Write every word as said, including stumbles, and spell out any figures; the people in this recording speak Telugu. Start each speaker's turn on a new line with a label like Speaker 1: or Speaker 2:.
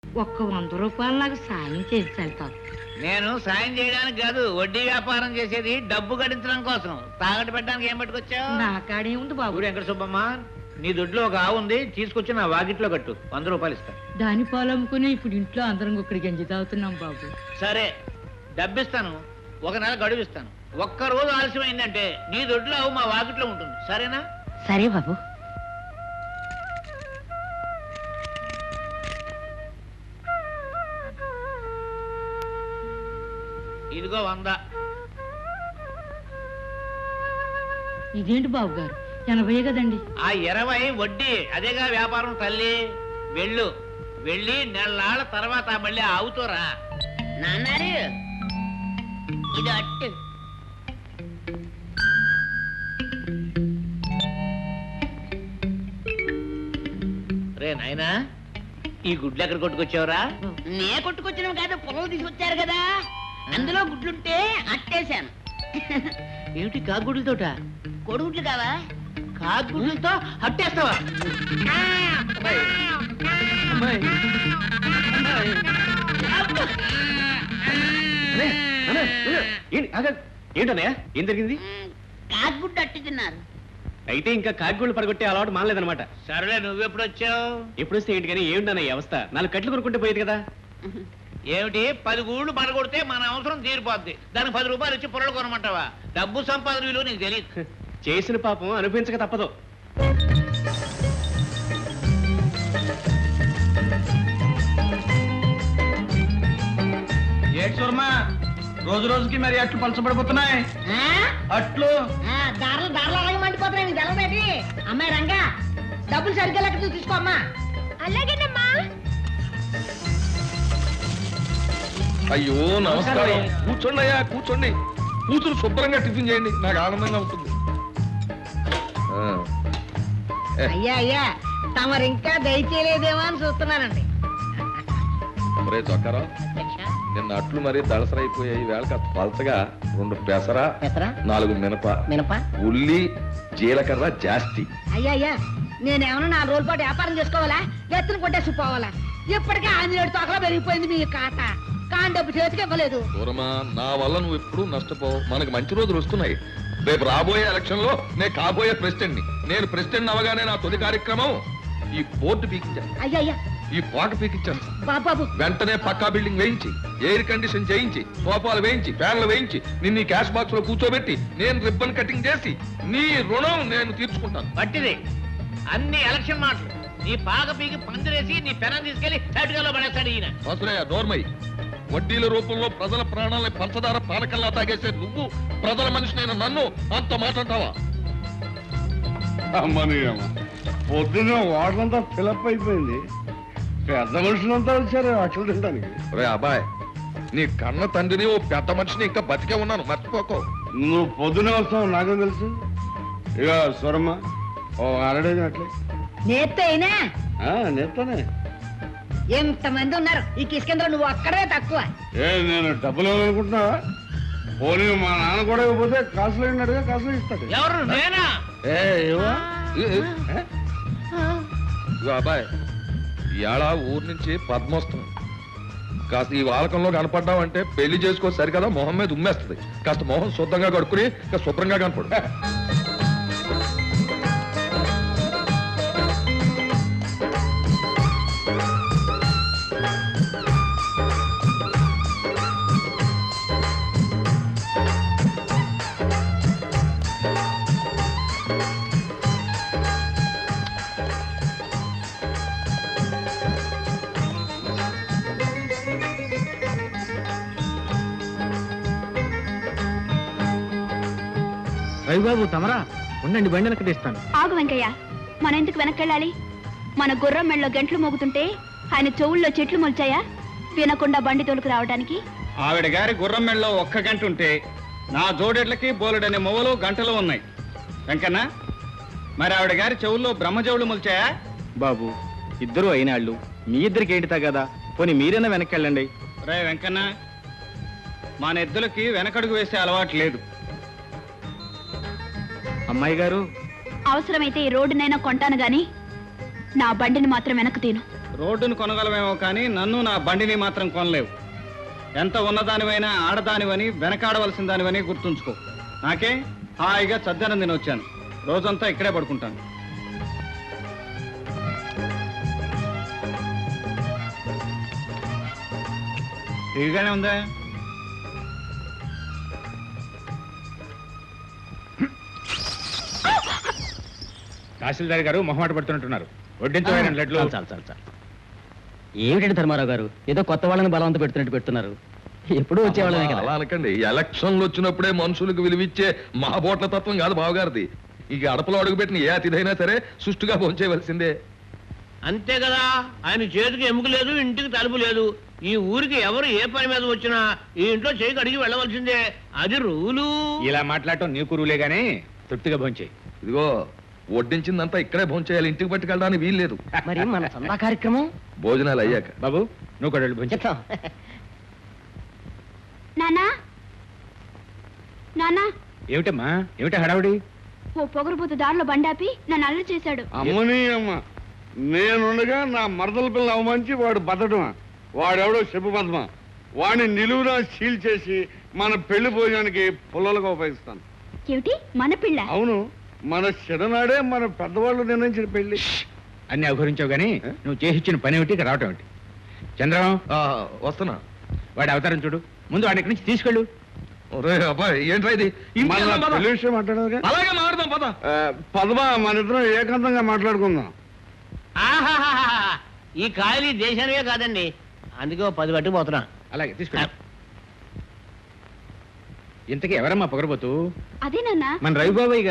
Speaker 1: ఒక్క వంద రూపాయలు నాకు సాయం చేసి వెళ్తాను.
Speaker 2: నేను సాయం చేయడానికి కాదు, వడ్డీ వ్యాపారం చేసేది డబ్బు గడించడం కోసం. తాగట్టు పెట్టడానికి ఏం పట్టుకొచ్చావు?
Speaker 1: నా కాడే ఉంది బాబు.
Speaker 2: వెంకట సుబ్బమ్మ, నీ దొడ్లో ఒక ఆవు ఉంది, తీసుకొచ్చి నా వాకిట్లో కట్టు, వంద రూపాయలు ఇస్తా.
Speaker 1: దాని పాలు అమ్ముకుని ఇప్పుడు ఇంట్లో అందరం ఒకటి గంజి తాగుతున్నాం బాబు.
Speaker 2: సరే, డబ్బిస్తాను, ఒక నెల గడువు ఇస్తాను. ఒక్క రోజు ఆలస్యమైందంటే నీ దొడ్లో ఆవు మా వాకిట్లో ఉంటుంది, సరేనా?
Speaker 1: సరే బాబు.
Speaker 2: ఇదిగో వంద.
Speaker 1: ఇదేంటి బాబు గారు, ఎనభై కదండి.
Speaker 2: ఆ ఇరవై వడ్డీ, అదేగా వ్యాపారం తల్లి. వెళ్ళు, వెళ్ళి నెలనాళ్ళ తర్వాత మళ్ళీ ఆవుతోరా.
Speaker 3: నాన్నారు ఇది అట్టు.
Speaker 2: రే నాయనా, ఈ గుడ్లు ఎక్కడ కొట్టుకొచ్చావురా?
Speaker 3: నే కొట్టుకొచ్చినాం కాదు, పొలం తీసుకొచ్చారు కదా, అందులో గుడ్లుంటే అట్టేశాను.
Speaker 2: ఏమిటి కాగుడ్లతోట?
Speaker 3: కొడుగుడ్లు కావా?
Speaker 2: కాగుడ్లతో అట్టేస్తావా?
Speaker 4: ఏంటన్నయ్య, ఏం జరిగింది?
Speaker 3: కాకుగుడ్డు అట్టు తిన్నారు.
Speaker 4: అయితే ఇంకా కాకిగూళ్ళు పడగొట్టే అలవాటు మానలేదనమాట.
Speaker 2: సరేలే, నువ్వెప్పుడు వచ్చావు?
Speaker 4: ఎప్పుడు వస్తే ఏంటి కానీ ఏమిటన్నయ్య అవస్థ? నాలుగు కట్లు కొనుక్కుంటే పోయేది కదా.
Speaker 2: ఏమిటి, పది గూళ్ళు పడగొడితే మన అవసరం తీరిపోద్ది, దానికి పది రూపాయలు ఇచ్చి పొరలు కొనమంటావా? డబ్బు సంపాదన విలువ నీకు తెలియదు.
Speaker 4: చేసిన పాపం అనుభవించక తప్పదు.
Speaker 5: రోజు రోజుకి మరి అట్లు పలచబడిపోతున్నాయి. అట్లు
Speaker 3: దారులు దారులు అలాగే మండిపోతున్నాయి. నీకు తెలవేటి? అమ్మాయి రంగా, డబ్బులు సరిగ్గా లెక్క తీసుకో అమ్మా. అలాగేనమ్మా.
Speaker 5: అయ్యో నమస్కారం. కూర్చోండి అయ్యా, కూర్చోండి. కూతురు శుభ్రంగా టిఫిన్ చేయండి, నాకు ఆనందంగా ఉంటుంది.
Speaker 3: అయ్యా అయ్యా, తమరు ఇంకా దయచేయలేదేమో అని చూస్తున్నానండి.
Speaker 5: ఒరే చొక్కారావు, నిన్న అట్లు మరీ దళసరైపోయాయి. వేళ కాస్త పలచగా రెండు పెసర, నాలుగు మినప,
Speaker 3: మినప,
Speaker 5: ఉల్లి, జీలకర్ర జాస్తి.
Speaker 3: అయ్యా అయ్యా, నేనేమన్నా నాలుగు రోజుల పాటు వ్యాపారం చేసుకోవాలా? ఎత్తున కొట్టేసి పోవాలా? ఇప్పటికే ఆంజనేయుడు తోకలా పెరిగిపోయింది మీ కాట. కాని డబ్బు చేతికి ఇవ్వలేదు.
Speaker 5: దూరమా, నా వల్ల నువ్వు ఎప్పుడు నష్టపోవు. మనకు మంచి రోజులు వస్తున్నాయి. రేపు రాబోయే ఎలక్షన్ లో నేను కాబోయే ప్రెసిడెంట్ ని. నేను ప్రెసిడెంట్ అవగానే నా తొలి కార్యక్రమం ఈ బోర్డు పీకించాను.
Speaker 3: అయ్యా అయ్యా,
Speaker 5: ఈ పాట పీకించాను.
Speaker 3: బాబాబు,
Speaker 5: వెంటనే పక్కా బిల్డింగ్ వేయించి, ఎయిర్ కండిషన్ చేయించి, సోఫాలు వేయించి, ఫ్యాన్లు వేయించి, నిన్ను క్యాష్ బాక్స్ లో కూర్చోబెట్టి నేను రిబ్బన్ కటింగ్ చేసి నీ రుణం నేను తీర్చుకుంటాను.
Speaker 2: పట్టిది అన్ని ఎలక్షన్ మాటలు. నీ పాక పీకి పందిరేసి నీ పెనం తీసుకెళ్లి తటుకలో పడేస్తాడు ఈయన.
Speaker 5: అసలయ్య నోర్మై, వడ్డీల రూపంలో ప్రజల ప్రాణాలని పంచదార పానకల్లా తాగేసే నువ్వు ప్రజల మనిషినైన నన్ను అంత మాట్లాడతావా?
Speaker 6: అమ్మని అమ్మ, పొద్దున్న వాటంతా ఫిలప్ అయిపోయింది. పెద్ద మనుషులంతా వచ్చారు అట్లు తినడానికి.
Speaker 5: రే అబ్బాయ్, నీ కన్న తండ్రిని ఓ పెద్ద మనిషిని ఇంకా బతికే ఉన్నాను, మర్చిపోకో.
Speaker 6: నువ్వు పొద్దునే వస్తావు నాకేం తెలుసు. ఇక స్వరమ్మ ఓ అరడేది అట్లే
Speaker 3: నేత్తే అయినా
Speaker 6: నేస్తానే.
Speaker 3: ఎంతమంది ఉన్నారు ఈ కిష్కేంద్ర, నువ్వు అక్కడే తక్కువ.
Speaker 6: ఏ నేను డబ్బులు ఇవ్వాలనుకుంటున్నావా? పోనీ మా నాన్న కూడా ఇవ్వకపోతే కాసులు అయినట్టుగా కాసులు ఇస్తాడు.
Speaker 2: ఎవరు? నేనా?
Speaker 6: ఏ ఇవ్వా?
Speaker 5: ఇగో అబ్బాయ్, ఇవాళ ఊరు నుంచి పద్మోత్సవం. కాస్త ఈ వాలకంలో కనపడ్డావంటే పెళ్లి చేసుకో సరికదా, మొహం మీద ఉమ్మేస్తుంది. కాస్త మొహం శుద్ధంగా కడుక్కుని ఇంకా శుభ్రంగా కనపడు.
Speaker 4: రవిబాబు తమరా ఉండండి, బండి వెనక్కి తీస్తాను.
Speaker 7: ఆగు వెంకయ్య, మన ఎందుకు వెనక్కెళ్ళాలి? మన గుర్రం మెళ్ళలో గంటలు మోగుతుంటే ఆయన చెవుల్లో చెట్లు మొల్చాయా వినకుండా బండి తోలుకు రావడానికి?
Speaker 8: ఆవిడ గారి గుర్రం మెళ్ళలో ఒక్క గంట ఉంటే నా జోడెడ్లకి బోలెడనే మొవలు గంటలు ఉన్నాయి. వెంకన్న, మరి ఆవిడ గారి చెవుల్లో బ్రహ్మజవులు మొల్చాయా?
Speaker 4: బాబు, ఇద్దరు అయినాళ్ళు, మీ ఇద్దరికి ఏంటి తగదా? పోనీ మీరైనా వెనక్కెళ్ళండి.
Speaker 8: రే వెంకన్న, మన ఎద్దులకి వెనకడుగు వేసే అలవాటు లేదు.
Speaker 4: అమ్మాయి గారు,
Speaker 7: అవసరమైతే ఈ రోడ్డునైనా కొంటాను గాని నా బండిని మాత్రం వెనక్కు తీను.
Speaker 8: రోడ్డును కొనగలమేమో కానీ నన్ను నా బండిని మాత్రం కొనలేవు. ఎంత ఉన్నదానివైనా ఆడదానివని వెనకాడవలసిన దానివని గుర్తుంచుకో. నాకే హాయిగా చద్దనం నేను వచ్చాను. రోజంతా ఇక్కడే పడుకుంటాను. ఇదిగానే ఉందా?
Speaker 4: తహసీల్దార్ గారు మొహమాట పడుతున్నట్టున్నారు. వడ్డించబడిన లడ్లు
Speaker 9: చాలు చాలు చాలు ఏమిటండి ధర్మారావు గారు, ఏదో కొత్త వాళ్ళని బలవంత పెడుతున్నట్టు పెడుతున్నారు. ఎప్పుడూ వచ్చేవాళ్ళమే కదా.
Speaker 5: అలా అనకండి. ఎలక్షన్లు వచ్చినప్పుడే మనుషులకు విలువిచ్చే మహాబోట్ల తత్వం కాదు బావగారిది. ఇక అడపలో అడుగుపెట్టిన ఏ అతిథైనా సరే సుష్టుగా భోంచేయవలసిందే.
Speaker 2: అంతే కదా, ఆయన చేతికి ఎముక లేదు, ఇంటికి తలుపు లేదు. ఈ ఊరికి ఎవరు ఏ పని మీద వచ్చినా ఈ ఇంట్లో చేయి కడిగి వెళ్ళవలసిందే. అది రూలు.
Speaker 4: ఇలా మాట్లాడటం నీ కురువులే గానీ తృప్తిగా భోంచేయి.
Speaker 5: ఇదిగో వడ్డించిందంతా ఇక్కడే భోంచేయాలి, ఇంటికి పట్టుకెళ్ళడానికి వీల్లేదు.
Speaker 9: మరి మన చందా కార్యక్రమం
Speaker 5: భోజనాలు అయ్యాక.
Speaker 4: బాబు నువ్వు కూడా వెళ్ళి భోంచే.
Speaker 7: నానా నానా
Speaker 4: ఏమిటమ్మా, ఏమిటా హడావుడి?
Speaker 7: ఓ పొగరుబోతు దారిలో బండాపి నన్ను అల్లరి చేశాడు.
Speaker 6: అమ్మని అమ్మ, నేనుండగా నా మరదల పిల్ల అవమంచి వాడు బతడమా? వాడెవడో చెప్పు పద్మ. వాడిని నిలువునా సీల్ చేసి మన పెళ్లి భోజనానికి పుల్లలుగా ఉపయోగిస్తాను.
Speaker 7: ఏమిటి మన పిల్ల?
Speaker 6: అవును, మన చిన్ననాడే మన పెద్దవాళ్ళు నిర్ణయించిన పెళ్లి.
Speaker 4: అన్ని అవహరించావు గానీ నువ్వు చేసి ఇచ్చిన పని ఏమిటి, ఇక్కడ రావటం ఏమిటి? చంద్రం
Speaker 5: ఆ, వస్తున్నా.
Speaker 4: వాడి అవతారం చూడు. ముందు వాడి ఇక్కడి నుంచి తీసుకెళ్ళు.
Speaker 5: ఒరే అబ్బాయి, ఏంట్రా ఇది? ఇంటికి వెళ్దాం పద.
Speaker 6: పెళ్లి విషయం మాట్లాడదుగా.
Speaker 5: అలాగే మాట్లాడదాం పద.
Speaker 6: ఆ, పద్మ, మన ఇద్దరం ఏకాంతంగా మాట్లాడుకుందాం.
Speaker 2: ఆహాహాహా. ఈ కాయలు ఈ దేశానివే కాదండి, అందుకే ఓ పది పట్టుకుపోతున్నా.
Speaker 4: అలాగే తీసుకెళ్ళు. ఇంతకీ ఎవరమ్మా పొగరబోతు?
Speaker 7: అదే నాన్న
Speaker 4: మన రవిబాబాయ్